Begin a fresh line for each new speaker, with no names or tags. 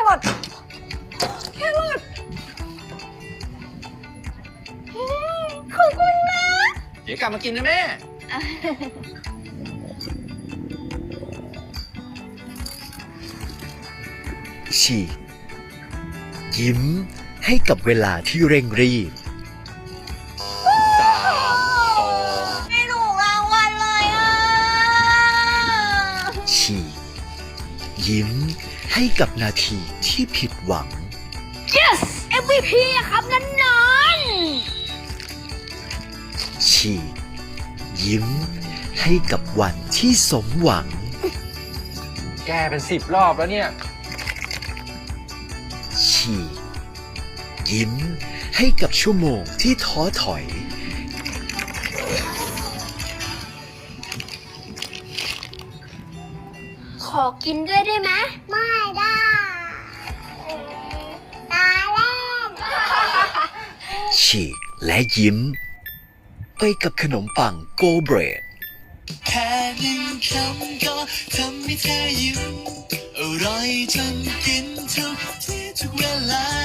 รอทแครอทขอบคุณนะ
เดี๋ยวกลับมากินนะแม่
ฉีกยิ้มให้กับเวลาที่เร่งรีบ
3 2
ไม่ถูกรางวัลเลยอ่ะ
ฉีกยิ้มให้กับนาทีที่ผิดหวัง
yes MVP อะครับนั่นนอน
ฉีกยิ้มให้กับวันที่สมหวัง
แกเป็น10 รอบแล้วเนี่ย
ฉีกยิ้มให้กับชั่วโมงที่ท้อถอย
ขอกินด้วยได้ไหมไม่ได้ตาแรก
ฉีกและยิ้ม ไปกับขนมปังโกเบรด
แค่หนึ่งคำก็ทำให้เธอยิ้มอร่อยจนกินทุกที่ทุกเวลา